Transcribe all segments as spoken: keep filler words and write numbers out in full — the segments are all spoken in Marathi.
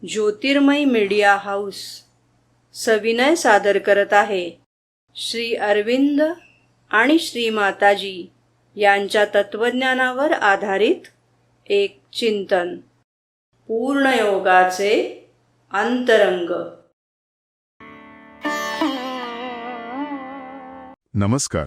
ज्योतिर्मय मीडिया हाऊस सविनय सादर करत आहे श्री अरविंद आणि श्री माताजी यांच्या तत्वज्ञानावर आधारित एक चिंतन, पूर्णयोगाचे अंतरंग. नमस्कार.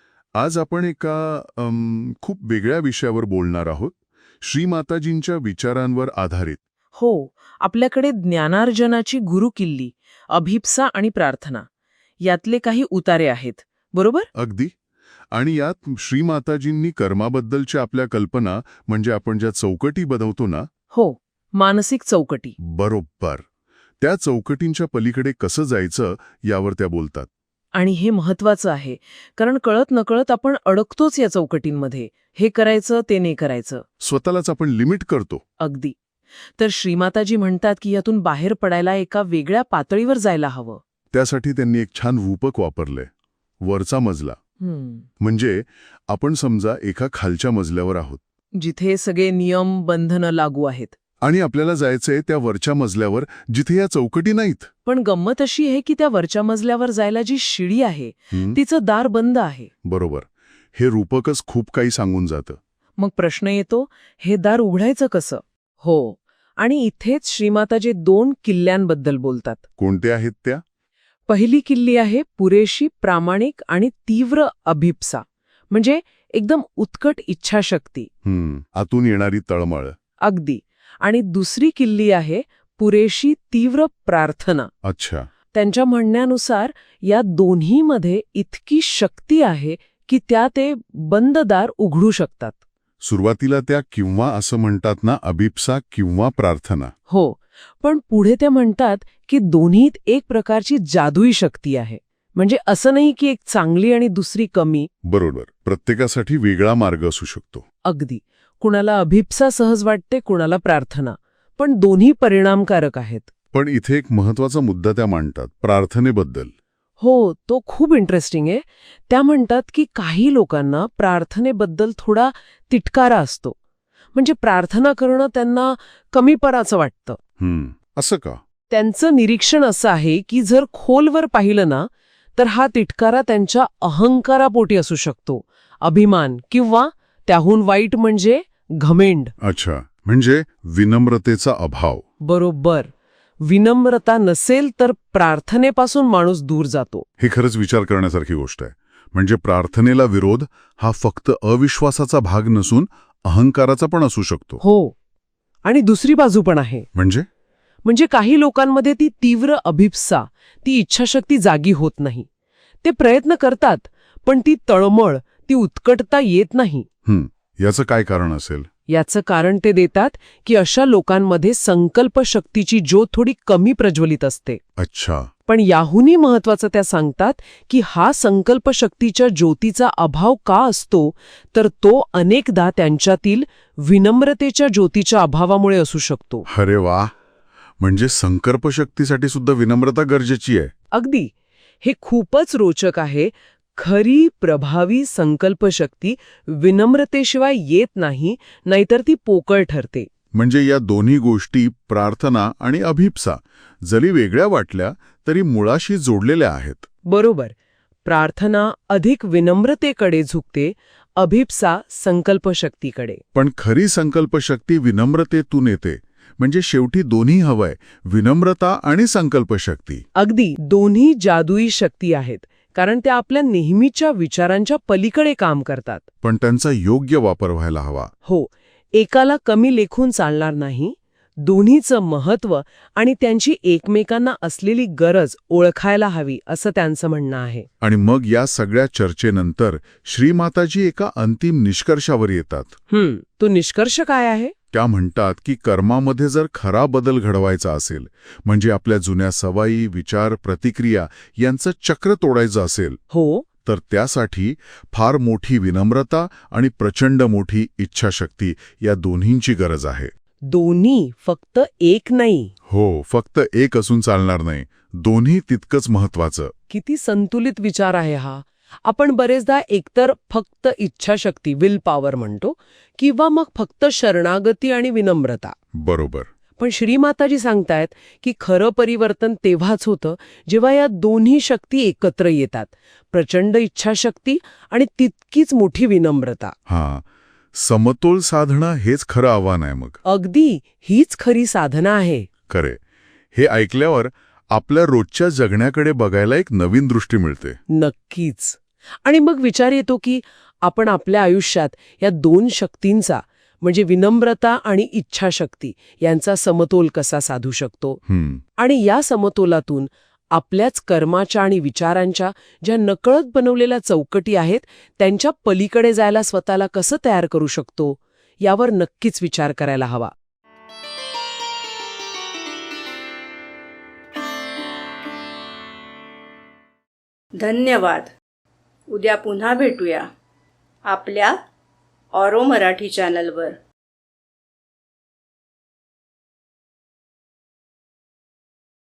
आज आपण एका अम, खूप वेगळ्या विषयावर बोलणार आहोत, श्री माताजींच्या विचारांवर आधारित. हो, आपल्याकडे ज्ञानार्जनाची गुरुकिल्ली, अभिप्सा आणि प्रार्थना यातले काही उतारे आहेत, बरोबर? अगदी. आणि यात श्री माताजींनी कर्माबद्दलच्या आपल्या कल्पना, म्हणजे आपण ज्या चौकटी बनवतो ना, हो, मानसिक चौकटी. बरोबर, त्या चौकटींच्या पलीकडे कसं जायचं यावर त्या बोलतात. आणि हे महत्वाचं आहे, कारण कळत नकळत आपण अडकतोच या चौकटींमध्ये. हे करायचं, ते नाही करायचं. स्वतःलाच आपण लिमिट करतो. अगदी. तर श्रीमाताजी म्हणतात की यातून बाहेर पडायला एका वेगळ्या पातळीवर जायला हवं. त्यासाठी त्यांनी एक छान रूपक वापरलंय, वरचा मजला. हम्म. म्हणजे आपण समजा एका खालच्या मजल्यावर आहोत, जिथे सगळे नियम बंधनं लागू आहेत, आणि आपल्याला जायचंय त्या वरच्या मजल्यावर जिथे या चौकटी नाहीत. पण गंमत अशी आहे की त्या वरच्या मजल्यावर जायला जी शिडी आहे हं, तिचं दार बंद आहे. बरोबर. हे रूपकच खूप काही सांगून जातं. मग प्रश्न येतो, हे दार उघडायचं कसं? हो, आणि इथेच श्रीमाताजी दोन किल्ल्यांबद्दल बोलतात. कोणते आहेत त्या? पहिली किल्ली आहे पुरेशी प्रामाणिक आणि तीव्र अभिप्सा, म्हणजे एकदम उत्कट इच्छाशक्ती. हम्म आतून येणारी तळमळ. अगदी. आणि दुसरी किल्ली आहे पुरेशी तीव्र प्रार्थना. अच्छा. त्यांच्या म्हणण्यानुसार या दोन्हीमध्ये इतकी शक्ती आहे की त्या ते बंद दार उघडू शकतात. सुरुवातीला त्या किंवा असं म्हणतात ना, अभिप्सा किंवा प्रार्थना. हो, पण पुढे ते म्हणतात की दोन्हीत एक प्रकारची जादुई शक्ती आहे. म्हणजे असं नाही की एक चांगली आणि दुसरी कमी. बरोबर. प्रत्येकासाठी वेगळा मार्ग असू शकतो. अगदी. कुणाला अभिप्सा सहज वाटते, कुणाला प्रार्थना, पण दोन्ही परिणामकारक आहेत. पण इथे एक महत्वाचा मुद्दा त्या मांडतात, प्रार्थनेबद्दल. हो, तो खूप इंटरेस्टिंग आहे. त्या म्हणतात की काही लोकांना प्रार्थनेबद्दल थोडा तिटकारा असतो. म्हणजे प्रार्थना करणं त्यांना कमीपणाचं वाटतं. हम्म असं का? त्यांचं निरीक्षण असं आहे की जर खोलवर पाहिलं ना, तर हा तिटकारा त्यांच्या अहंकारापोटी असू शकतो, अभिमान, किंवा त्याहून वाईट म्हणजे घमेंड. अच्छा, म्हणजे विनम्रतेचा अभाव. बरोबर. विनम्रता नसेल तर प्रार्थनेपासून माणूस दूर जातो. हे खरंच विचार करण्यासारखी गोष्ट आहे. म्हणजे प्रार्थनेला विरोध हा फक्त अविश्वासाचा भाग नसून अहंकाराचा पण असू शकतो. हो, आणि दुसरी बाजू पण आहे. म्हणजे म्हणजे काही लोकांमध्ये ती तीव्र अभिप्सा, ती इच्छाशक्ती जागी होत नाही. ते प्रयत्न करतात, पण ती तळमळ, ती उत्कटता येत नाही. हं, याचं काय कारण असेल? याचं कारण ते देतात की अशा लोकांमध्ये संकल्पशक्तीची ज्योत थोडी कमी प्रज्वलित असते. अच्छा. पण याहूनही महत्वाचं त्या सांगतात की हा संकल्पशक्तीच्या ज्योतीचा अभाव का असतो, तर तो अनेकदा त्यांच्यातील विनम्रतेच्या ज्योतीच्या अभावामुळे असू शकतो. अरे वा, म्हणजे संकल्पशक्तीसाठी सुद्धा विनम्रता गरजेची आहे. अगदी. हे खूपच रोचक आहे. खरी प्रभावी संकल्पशक्ती विनम्रतेशिवाय येत नाही, नाहीतर ती पोकळ ठरते. म्हणजे या दोन्ही गोष्टी, प्रार्थना आणि अभिप्सा, जरी वेगळ्या वाटल्या तरी मुळाशी जोडलेल्या आहेत. बरोबर. प्रार्थना अधिक विनम्रतेकडे झुकते, अभिप्सा संकल्पशक्तीकडे. पण खरी संकल्पशक्ती विनम्रतेतून येते. म्हणजे शेवटी दोन्ही हवंय, विनम्रता आणि संकल्पशक्ती. अगदी. दोन्ही जादुई शक्ती आहेत, कारण त्या आपल्या नेहमीच्या विचारांच्या पलीकडे काम करतात. पण त्यांचा योग्य वापर व्हायला हवा. हो, एकाला कमी लेखून चालणार नाही. दोन्हीचं महत्त्व आणि त्यांची एकमेकांना असलेली गरज ओळखायला हवी, असं त्यांचं म्हणणं आहे. आणि मग या सगळ्या चर्चेनंतर श्रीमाताजी एका अंतिम निष्कर्षावर येतात. हम्म तो निष्कर्ष काय आहे? त्या म्हणतात की कर्मामध्ये जर खरा बदल घडवायचा असेल, म्हणजे आपल्या जुन्या सवयी, विचार, प्रतिक्रिया यांचं चक्र तोडायचं असेल, हो, तर त्यासाठी फार मोठी विनम्रता आणि प्रचंड मोठी इच्छाशक्ती या दोन्हींची गरज आहे. दोन्ही, फक्त एक नाही. हो, फक्त एक असून चालणार नाही, दोन्ही तितकंच महत्वाचं. किती संतुलित विचार आहे हा. आपण बरेचदा एकतर फक्त इच्छाशक्ती, विल पॉवर म्हणतो, किंवा मग फक्त शरणागती आणि विनम्रता. बरोबर. पण श्रीमाताजी सांगतायत की खरं परिवर्तन तेव्हाच होतं जेव्हा या दोन्ही शक्ती एकत्र येतात, प्रचंड इच्छाशक्ती आणि तितकीच मोठी विनम्रता. हां, समतोल साधणं हेच खरं आव्हान आहे मग. अगदी हीच खरी साधना आहे. खरे. हे ऐकल्यावर आपल्या रोजच्या जगण्याकडे बघायला एक नवीन दृष्टी मिळते. नक्कीच. आणि मग विचार येतो की आपण आपल्या आयुष्यात या दोन शक्तींचा म्हणजे विनम्रता आणि इच्छाशक्ती यांचा समतोल कसा साधू शकतो. हं, आणि या समतोलातून आपल्याच कर्माच्या आणि विचारांच्या ज्या नकळत बनवलेल्या चौकटी आहेत त्यांच्या पलीकडे जायला स्वतःला कसं तयार करू शकतो यावर नक्कीच विचार करायला हवा. धन्यवाद. उद्या पुन्हा भेटूया आपल्या ऑरो मराठी चॅनलवर.